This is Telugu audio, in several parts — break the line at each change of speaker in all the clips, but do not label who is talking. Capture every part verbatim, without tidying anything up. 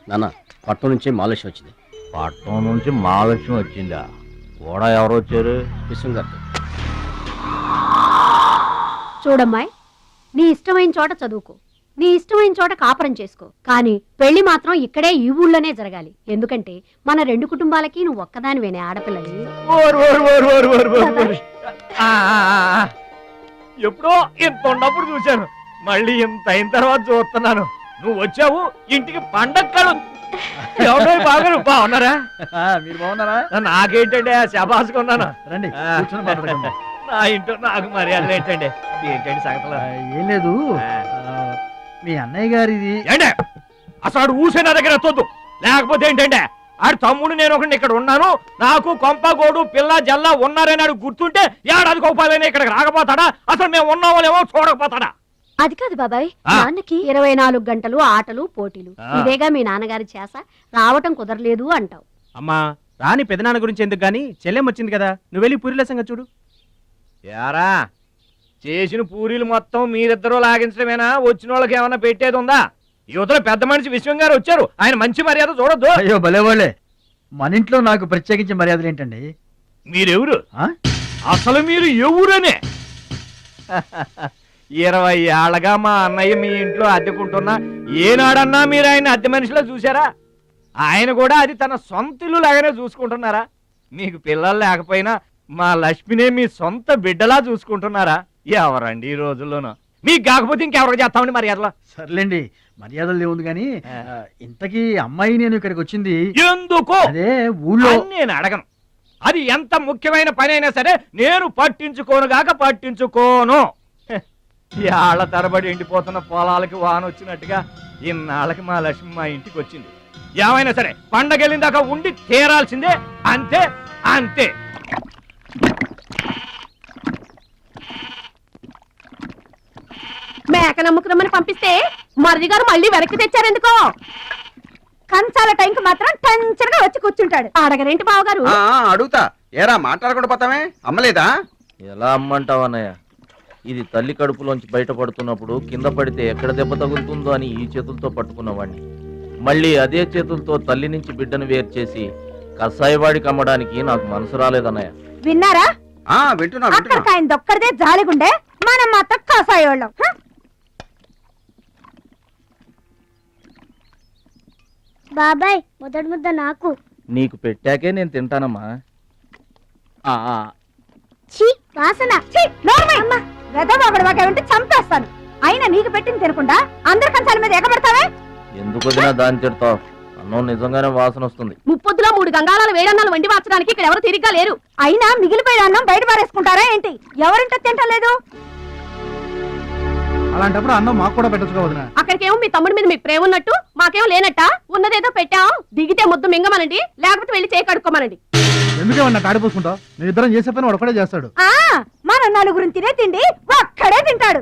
నాన్న పట్నం నుంచి మాలేష్ వచ్చింది.
పట్నం నుంచి మహాలక్ష్మి వచ్చిందా? కూడా ఎవరు వచ్చారు?
విశ్వం గారితో.
చూడమ్మాయి, నీ ఇష్టమైన చోట చదువుకో, నీ ఇష్టమైన చోట కాపురం చేసుకో, కానీ పెళ్లి మాత్రం ఇక్కడే ఈ ఊళ్ళోనే జరగాలి. ఎందుకంటే మన రెండు కుటుంబాలకి నువ్వు ఒక్కదానివేనే ఆడపిల్లని.
ఎప్పుడో ఇంత ఉన్నప్పుడు చూశాను, మళ్ళీ ఇంత అయిన తర్వాత చూస్తున్నాను. నువ్వు వచ్చావు ఇంటికి పండగ కలు. ఎవరో బాగా బాగున్నారా?
మీరు బాగున్నారా?
నాకేంటండి శబాసుకున్నాను.
రండి
ఆ. నా ఇంట్లో నాకు మర్యాదలు ఏంటండి? ఏంటండి సంగతులు?
ఏం లేదు, మీ అన్నయ్య గారిది.
ఏంటే అసలు ఆడు ఊసే నా దగ్గర ఎత్తొద్దు. లేకపోతే ఏంటంటే ఆడు తమ్ముడు నేను ఒకటి ఇక్కడ ఉన్నాను, నాకు కొంప గోడు పిల్ల జల్ల ఉన్నారని ఆడు గుర్తుంటే ఏడాది కోపాలని ఇక్కడికి రాకపోతాడా? అసలు మేము ఉన్నామోలేమో చూడకపోతాడా?
అది కాదు బాబాయ్,
ఆ.
నాన్నకి ఇరవై నాలుగు గంటలు ఆటలు పోటీలు,
ఆ.
ఇదేగా మీ నాన్నగారి చేస. రావటం కుదరలేదు అంటావు.
అమ్మా రాని పెదనాన్న గురించి ఎందుకు గాని, చెల్లెం వచ్చింది కదా, నువ్వు వెళ్ళి పూరిల సంగతి చూడు.
యారా చేసిన పూరీలు మొత్తం మీరిద్దరూ లాగించడమేనా? వచ్చిన వాళ్ళకి ఏమన్నా పెట్టేది ఉందా? యువతలో పెద్ద మనిషి విశ్వం గారు వచ్చారు, ఆయన మంచి మర్యాద చూడొద్దు.
అయ్యో భలేవాళ్ళే, మన ఇంట్లో నాకు ప్రత్యేకించి మర్యాదలు ఏంటండి?
మీరెవరు
ఆ?
అసలు మీరు ఎవరనే? ఇరవై ఏళ్ళగా మా అన్నయ్య మీ ఇంట్లో అద్దెకుంటున్నా ఏనాడన్నా మీరు ఆయన అద్దె మనిషిలో చూసారా? ఆయన కూడా అది తన సొంత ఇల్లు లాగానే చూసుకుంటున్నారా? మీకు పిల్లలు లేకపోయినా మా లక్ష్మినే మీ సొంత బిడ్డలా చూసుకుంటున్నారా? ఎవరండి ఈ రోజుల్లోనూ? మీకు కాకపోతే ఇంకెవరికి చేస్తామండి మర్యాదలో?
సర్లేండి, మర్యాదలు లేవుంది కానీ ఆ, ఇంతకీ అమ్మాయి నేను ఇక్కడికి వచ్చింది
ఎందుకు
అదే ఊళ్ళో.
అని నేను అడగను. అది ఎంత ముఖ్యమైన పని అయినా సరే నేను పట్టించుకోను గాక పట్టించుకోను. హె, ఏళ్ల తరబడి ఎండిపోతున్న పొలాలకి వాన వచ్చినట్టుగా ఇన్నాళ్ళకి మా లక్ష్మి మా ఇంటికి వచ్చింది. ఏమైనా సరే పండగెళ్ళిన దాకా ఉండి తీరాల్సిందే, అంతే అంతే.
మేక నమ్ముకురమ్మని పంపిస్తే మరిది గారు మళ్ళీ వెనక్కి తెచ్చారెందుకో? కంచాల టైంకి మాత్రం టెన్షన్గా వచ్చి కూర్చుంటాడు. అడగరేంటి బావగారు?
ఆ, అడుగుతా. ఏరా మాట్లాడకుండా పోతామే? అమ్మలేదా?
ఎలా అమ్మంటావు అన్నయ్య? ఇది తల్లి కడుపులోంచి బయటపడుతున్నప్పుడు కింద పడితే ఎక్కడ దెబ్బ తగులుతుందో అని ఈ చేతులతో పట్టుకున్నవాడిని, మళ్ళీ అదే చేతులతో తల్లి నుంచి బిడ్డను వేరు చేసి కసాయివాడికి అమ్మడానికి నాకు మనసు రాలేదన్నయ్య.
విన్నారా?
ఆ వింటున్నా వింటున్నా.
అక్కడికి ఆయన దొక్కడిదే జాలిగుండే, మనం మాత్రం కాసాయోళ్ళం.
బాబాయ్ మొదటి ముద్ద నాకు.
నీకు పెట్టాకే నేను తింటానమ్మా.
ఆ, ఆ,
ఛీ వాసన.
వెదవాగడవాగే చంపేస్తాను. అయినా నీకు పెట్టింది తినకుండా అందరి కంచాల మీద ఎగబడతావే?
ఎందుకు వదినా దాన్ని తిడతావు? అన్నం నిజంగానే వాసన వస్తుంది.
ముప్పొద్దులో మూడు గంగాళాల వేడన్నాలు వండి మార్చడానికి ఇక్కడ ఎవరు తిరిగ్గా లేరు. అయినా మిగిలిపోయిన అన్నం బయట పారేసుకుంటారా ఏంటి? ఎవరింటో తింటలేదు.
అలాంటప్పుడు అన్నం మాకు కూడా పెట్టచ్చు వదినా.
అక్కడికేమో మీ తమ్ముడి మీద మీకు ప్రేమ ఉన్నట్టు, మాకేమో లేనట్ట. ఉన్నదేదో పెట్టాం, దిగితే ముద్దు మింగమనండి, లేకపోతే వెళ్ళి చేయి కడుక్కోమనండి.
ఎందుకేమన్నా కాడిపోసుకుంటావు? నేను ఇద్దరం చేసే పని వాడు ఒకటే చేస్తాడు.
ఆ మన నలుగురు తినే తిండి ఒక్కడే తింటాడు.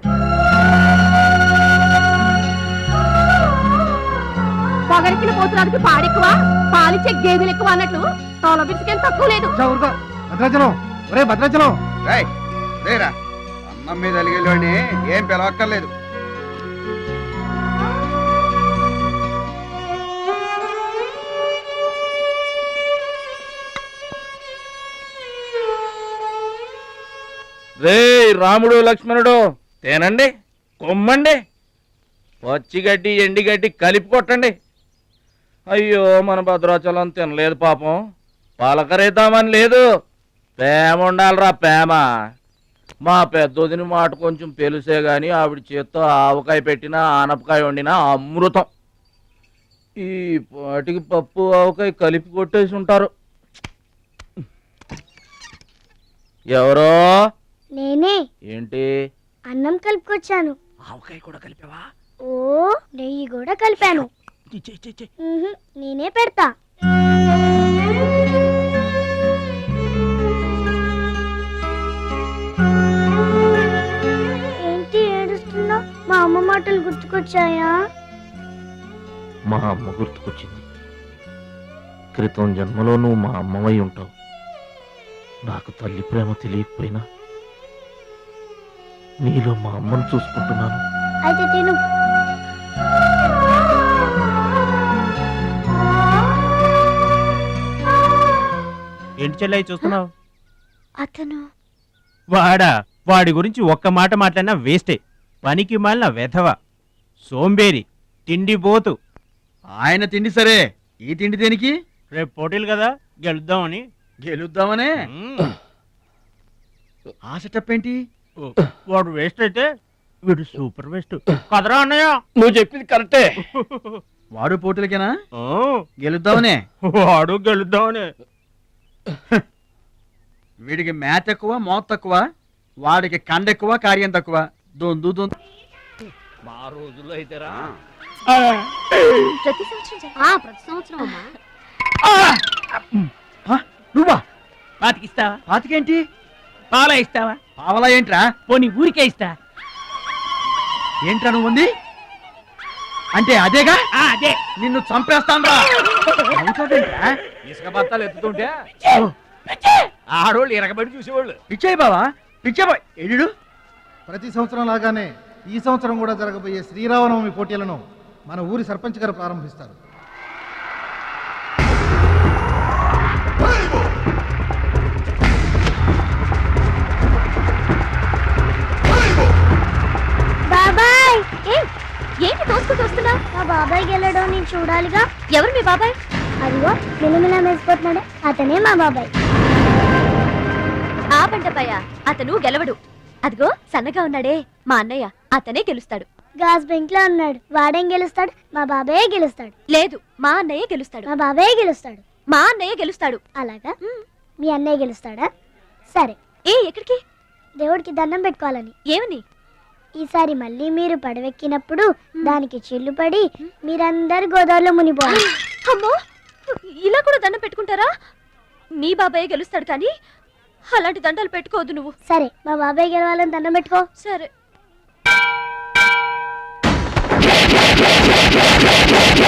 పొగరికిన పోతురానికి పాడెక్కువ, పాలిచ్చే గేదెలు ఎక్కువ అన్నట్లు తోల బిడ్డకేం తక్కువ లేదు.
ఊరుకో భద్రాచలం, ఒరే భద్రాచలం.
రేయ్, రేరా అన్నం మీద అలిగేలోని ఏం పిలవక్కర్లేదు.
రే రాముడు లక్ష్మణుడు, తేనండి, కొమ్మండి, పచ్చిగడ్డి ఎండిగడ్డి కలిపి కొట్టండి. అయ్యో మన భద్రాచలం తినలేదు పాపం, పలకరేద్దామని లేదు. ప్రేమ ఉండాలిరా ప్రేమ. మా పెద్దొదిని మాట కొంచెం పెలుసే గాని ఆవిడ చేత్తో ఆవకాయ పెట్టినా ఆనపకాయ వండినా అమృతం. ఈ పాటికి పప్పు ఆవకాయ కలిపి కొట్టేసి ఉంటారు. ఎవరో?
నేనే.
ఏంటి?
అన్నం కలుపుకొచ్చాను.
ఆవకాయ కూడా కలిపావా?
ఓ నెయ్యి కూడా కలిపాను. ఉహు, నేనే పెడతా. ఏంటి ఏడుస్తున్నావు? మా అమ్మ మాటలు గుర్తుకొచ్చాయా?
మా అమ్మ గుర్తుకొచ్చింది. క్రితం జన్మలో నువ్వు మా అమ్మవై ఉంటావు. నాకు తల్లి ప్రేమ తెలియకపోయినా నీలో మా అమ్మను చూసుకుంటున్నాను.
అయితే తిను.
ఏంటి చెల్లయ్య చూస్తున్నావు?
అతను
వాడా వాడి గురించి ఒక్క మాట మాట్లాడినా వేస్టే. పనికి మాలిన వెధవ, సోంబేరి, తిండి పోతు.
ఆయన తిండి సరే, ఈ తిండి దేనికి?
రేపు పోటీలు కదా, గెలుద్దామని.
గెలుద్దామనే.
మ్మ్.
ఆ సెటప్ ఏంటి?
ఓ, వాడు వేస్ట్ అయితే వీడు సూపర్ వేస్ట్ కదరా అన్నయ్య.
నువ్వు చెప్పింది కరెక్టే.
వాడు పోటీలకేనా?
ఓ,
గెలుద్దామనే.
వాడు గెలుద్దామని.
వీడికి మ్యాథ్ ఎక్కువ, మోత్ తక్కువ. వాడికి కండ ఎక్కువ, కార్యం తక్కువ. దొందు దొందు.
మా రోజుల్లో అయితేరా
ప్రతి సంవత్సరం జర- ఆ, ప్రతి సంవత్సరం అమ్మా.
ఆ, నువ్వా?
పాతికిస్తావా?
పాతికేంటి?
పాలా ఇస్తావా?
పావలా ఏంట్రా?
పోనీ ఊరికే ఇస్తా.
ఏంట్రా నువ్వు ఉంది అంటే అదేగా?
అదే.
నిన్ను చంపేస్తాన్రా. నవ్వుతావేంట్రా?
ఇసుక బత్తాలు ఎత్తుతుంటే ఆడోళ్ళు ఇరగబడి చూసేవాళ్ళు.
పిచ్చాయి బావా, పిచ్చా బాయ్. ఎడు
ప్రతి సంవత్సరం లాగానే ఈ సంవత్సరం కూడా జరగబోయే శ్రీరామనవమి పోటీలను మన ఊరి సర్పంచ్ గారు ప్రారంభిస్తారు.
బాబాయ్
ఏ, ఏంటి తోసుకుంటూ వస్తున్నా?
మా బాబాయ్ గెలడం నేను చూడాలిగా.
ఎవరు మీ బాబాయ్?
అదిగో మిలమిలా మెరిసిపోతున్నాడే అతనే మా బాబాయ్.
ఆ బండపయ్య, అతను గెలవడు. అదిగో సన్నగా ఉన్నాడే మా అన్నయ్య, అతనే గెలుస్తాడు.
గాజ్ బెంక్ లో ఉన్నాడు, వాడేం గెలుస్తాడు? మా బాబాయే గెలుస్తాడు.
లేదు, మా అన్నయ్య గెలుస్తాడు.
మా బాబాయే గెలుస్తాడు.
మా అన్నయ్య గెలుస్తాడు.
అలాగా? మీ అన్నయ్య గెలుస్తాడా? సరే,
ఏ ఎక్కడికి?
దేవుడికి దండం పెట్టుకోవాలని.
ఏమని?
ఈసారి మళ్ళీ మీరు పడవెక్కినప్పుడు దానికి చిల్లు పడి మీరందరు గోదావరిలో మునిపోవాలి.
అమ్మో, ఇలా కూడా దండం పెట్టుకుంటారా? మీ బాబాయ్ గెలుస్తాడు కానీ అలాంటి దండాలు పెట్టుకోవద్దు నువ్వు.
సరే, మా బాబాయ్ గెలవాలని దండం పెట్టుకో.
సరే.